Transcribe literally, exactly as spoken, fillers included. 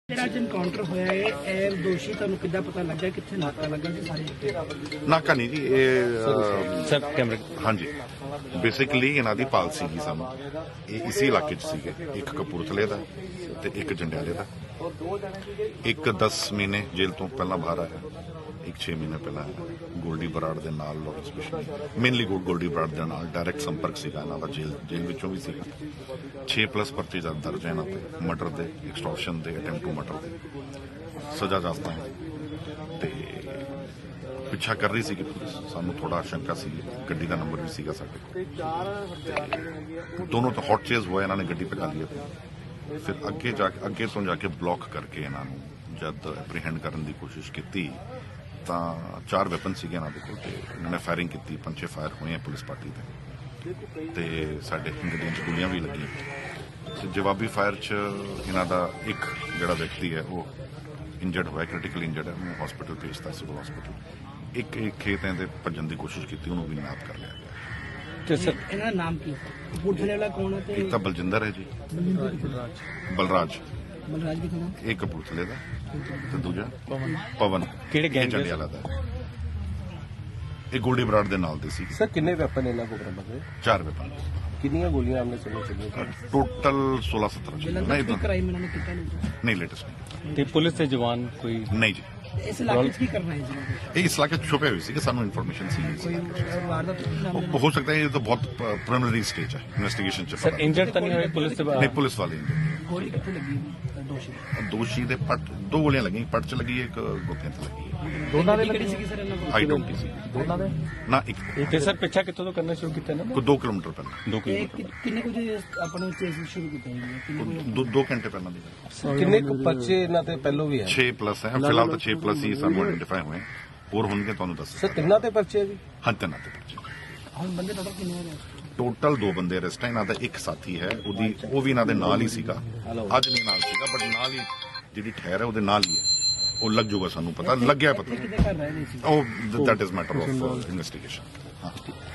ਜਿਹੜਾ ਅੱਜ ਐਨਕਾਊਂਟਰ ਹੋਇਆ ਹੈ ਇਹ ਦੋਸ਼ੀ ਤੁਹਾਨੂੰ ਕਿੱਦਾਂ ਪਤਾ ਲੱਗਾ ਕਿੱਥੇ ਨਾਕਾ ਲੱਗਾ ਸੀ ਸਾਰੇ ਨਾਕਾ ਨਹੀਂ ਜੀ ਇਹ ਸਰ ਕੈਮਰੇ ਹਾਂਜੀ ਬੇਸਿਕਲੀ ਇਹਨਾਂ ਦੀ ਪਾਲਸੀ ਸੀ ਸਾਨੂੰ ਇਹ ਇਸੇ ਇਲਾਕੇ 'ਚ ਸੀਗੇ ਇੱਕ ਕਪੂਰਥਲੇ ਦਾ ਤੇ ਇੱਕ ਜੰਡਿਆਲੇ ਦਾ ਇੱਕ ਦਸ ਮਹੀਨੇ ਜੇਲ੍ਹ ਤੋਂ ਪਹਿਲਾਂ ਬਾਹਰ ਆਇਆ ਇੱਕ ਛੇ ਮਹੀਨੇ ਪਹਿਲਾਂ ਗੋਲਡੀ ਬਰਾੜ ਦੇ ਨਾਲ ਲਾਰੈਂਸ ਬਿਸ਼ਨੋਈ ਮੇਨਲੀ ਗੋਲਡੀ ਬਰਾੜ ਦੇ ਨਾਲ ਡਾਇਰੈਕਟ ਸੰਪਰਕ ਸੀਗਾ ਇਹਨਾਂ ਦਾ ਜੇਲ੍ਹ ਜੇਲ੍ਹ ਵਿੱਚੋਂ ਵੀ ਸੀਗਾ ਛੇ ਪਲੱਸ ਪਰਚੇ ਜਦ ਦਰਜ ਹੈ ਇਹਨਾਂ ਤੇ ਮਰਡਰ ਦੇ ਐਕਸਟੋਰਸ਼ਨ ਦੇ ਅਟੈਂਪਟ ਟੂ ਮਰਡਰ ਦੇ ਸਜ਼ਾ ਜਾਸਤਾ ਹੈ ਤੇ ਪਿੱਛਾ ਕਰ ਰਹੀ ਸੀ ਕਿ ਪੁਲਿਸ ਸਾਨੂੰ ਥੋੜਾ ਸ਼ੰਕਾ ਸੀ ਗੱਡੀ ਦਾ ਨੰਬਰ ਵੀ ਸੀਗਾ ਸਾਡੇ ਕੋਲ ਦੋਨੋਂ ਤਾਂ ਹੌਟ ਚੇਜ਼ ਹੋਇਆ ਇਹਨਾਂ ਨੇ ਗੱਡੀ ਪਕਾ ਲਈ ਫਿਰ ਅੱਗੇ ਜਾ ਕੇ ਅੱਗੇ ਤੋਂ ਜਾ ਕੇ ਬਲੌਕ ਕਰਕੇ ਇਹਨਾਂ ਨੂੰ ਜਦ ਐਪਰੀਹੈਂਡ ਕਰਨ ਦੀ ਕੋਸ਼ਿਸ਼ ਕੀਤੀ ਤਾਂ ਚਾਰ ਵੈਪਨ ਸੀਗੇ ਇਹਨਾਂ ਦੇ ਕੋਲ ਤੇ ਇਹਨਾਂ ਨੇ ਫਾਇਰਿੰਗ ਕੀਤੀ ਪੰਜੇ ਫਾਇਰ ਹੋਏ ਆ ਪੁਲਿਸ ਪਾਰਟੀ ਤੇ ਤੇ ਸਾਡੇ ਗੱਡੀਆਂ 'ਚ ਗੋਲੀਆਂ ਵੀ ਲੱਗੀਆਂ ਤੇ ਜਵਾਬੀ ਫਾਇਰ 'ਚ ਇਹਨਾਂ ਦਾ ਇੱਕ ਜਿਹੜਾ ਵਿਅਕਤੀ ਹੈ ਉਹ ਇੰਜਰਡ ਹੋਇਆ ਕ੍ਰਿਟੀਕਲ ਇੰਜਰਡ ਹੈ ਉਹਨੂੰ ਹਸਪੀਟਲ ਭੇਜਤਾ ਸਿਵਲ ਹਸਪੀਟਲ ਇੱਕ ਇੱਕ ਖੇਤ ਦੇ ਭੱਜਣ ਦੀ ਕੋਸ਼ਿਸ਼ ਕੀਤੀ ਉਹਨੂੰ ਵੀ ਨਾਪ ਕਰ ਲਿਆ ਗਿਆ ਤੇ ਸਰ ਇਹਨਾਂ ਦਾ ਨਾਮ ਕੀ ਹੈ ਕਪੂਰਥਲੇ ਵਾਲਾ ਕੌਣ ਹੈ ਤੇ ਇੱਕ ਤਾਂ ਬਲਜਿੰਦਰ ਹੈ ਜੀ ਬਲਰਾਜ ਬਲਰਾਜ ਬਲਰਾਜ ਕਿੱਥੇ ਦਾ ਇਹ ਕਪੂਰਥਲੇ ਦਾ ਤੇ ਦੂਜਾ ਪਵਨ ਕਿਹੜੇ ਗੈਂਗ ਦੇ? ਜੰਡਿਆਲਾ ਦਾ ਇਹ ਗੋਲਡੀ ਬਰਾੜ ਦੇ ਨਾਲ ਦੇ ਸੀ ਸਰ ਕਿੰਨੇ ਵੈਪਨ ਇਹਨਾਂ ਕੋਲ ਬਰਾਮਦ ਹੋਏ ਚਾਰ ਵੈਪਨ ਕਿੰਨੀਆਂ ਗੋਲੀਆਂ ਆਮਨੇ ਸਾਹਮਣੇ ਚੱਲੀਆਂ ਟੋਟਲ ਸੋਲਾਂ ਸਤਾਰਾਂ ਜਿਹੜਾ ਨਹੀਂ ਕੀ ਤਾਂ ਕ੍ਰਾਈਮ ਇਹਨਾਂ ਨੇ ਕੀਤਾ ਨਹੀਂ ਨਹੀਂ ਲੇਟੈਸਟ ਨਹੀਂ ਤੇ ਪੁਲਿਸ ਦੇ ਜਵਾਨ ਕੋਈ ਨਹੀਂ ਜੀ ਇਸ ਇਲਾਕੇ 'ਚ ਕੀ ਕਰਨਾ ਹੈ ਜੀ ਇਹ ਇਸ ਇਲਾਕੇ 'ਚ ਛੁਪੇ ਹੋਏ ਸੀ ਕਿ ਸਾਨੂੰ ਇਨਫੋਰਮੇਸ਼ਨ ਸੀ ਕੋਈ ਵਾਰਦਾਤ ਨਾਮ ਉਹ ਹੋ ਸਕਦਾ ਹੈ ਇਹ ਤਾਂ ਬਹੁਤ ਪ੍ਰੀਲਿਮਿਨਰੀ ਸਟੇਜ ਹੈ ਇਨਵੈਸਟੀਗੇਸ਼ਨ ਚ ਸਰ ਪਤਾ ਇੰਜਰਡ ਤਾਂ ਨਹੀਂ ਹੋਏ ਪੁਲਿਸ ਦੇ ਨਹੀਂ ਪੁਲਿਸ ਵਾਲੇ ਨੇ। ਗੋਲੀ ਕਿੱਥੇ ਲੱਗੀ ਹੈ ਦੋਸ਼ੀ ਦੋਸ਼ੀ ਦੇ ਪੱਟ ਦੋ ਗੋਲੀਆਂ ਲੱਗੀਆਂ ਪੱਟ ਚ ਲੱਗੀ ਇੱਕ ਗੋਪੀਆਂ ਤੇ ਲੱਗੀ ਦੋਨਾਂ ਦੇ ਕਿਹੜੀ ਸੀਗੀ ਸਰ ਇਹਨਾਂ ਕੋਲ ਆਈ ਡੋਂਟ ਸੀ ਦੋਨਾਂ ਦੇ ਨਾ ਇੱਕ ਤੇ ਸਰ ਪਿੱਛਾ ਕਿੱਥੋਂ ਤੋਂ ਕਰਨਾ ਸ਼ੁਰੂ ਕੀਤਾ ਨਾ ਕੋਈ ਦੋ ਕਿਲੋਮੀਟਰ ਪਹਿਲਾਂ ਦੋ ਇਹ ਕਿਲੋਮੀਟਰ ਕਿ- ਕਿੰਨੇ ਕੁ ਜੇ ਆਪਣੇ ਚੇਸ ਸ਼ੁਰੂ ਕੀਤਾ ਜੀ ਕਿੰਨੇ ਕੁ- ਦੋ ਦੋ ਘੰਟੇ ਪਹਿਲਾਂ ਦੀ ਕਿੰਨੇ ਕੁ ਪਰਚੇ ਇਹਨਾਂ ਤੇ ਪਹਿਲੋਂ ਵੀ ਹੈ ਛੇ ਪਲੱਸ ਹੈ ਫਿਲਹਾਲ ਤਾਂ ਛੇ ਪਲੱਸ ਹੀ ਸਾਨੂੰ ਆਇਡੈਂਟੀਫਾਈ ਹੋਏ ਹੋਰ ਹੋਣਗੇ ਤੁਹਾਨੂੰ ਦੱਸ ਸਰ ਤਿੰਨਾਂ ਤੇ ਪਰਚੇ ਵੀ ਹਾਂ ਤਿੰਨਾਂ ਤੇ ਪਰਚੇ ਹੁਣ ਬੰਦੇ ਟੋਟਲ ਕਿੰਨੇ ਹੋ ਰਹੇ ਟੋਟਲ ਦੋ ਬੰਦੇ ਅਰੈਸਟ ਹੈ ਇਹਨਾਂ ਦਾ ਇੱਕ ਸਾਥੀ ਹੈ ਉਹਦੀ ਉਹ ਵੀ ਇਹਨਾਂ ਦੇ ਨਾਲ ਹੀ ਸੀਗਾ ਅੱਜ ਨਹੀਂ ਨਾਲ ਸੀਗਾ ਬਟ ਨਾਲ ਹੀ ਜਿਹੜੀ ਠਹਿਰ ਹੈ ਉਹਦੇ ਨਾਲ ਹੀ ਹੈ ਉਹ ਲੱਗ ਜਾਊਗਾ ਸਾਨੂੰ ਪਤਾ ਲੱਗਿਆ ਪਤਾ ਕਿਤੇ ਕਰ ਰਹੇ ਨੇ ਸੀ ਉਹ that is matter of investigation ਹਾਂ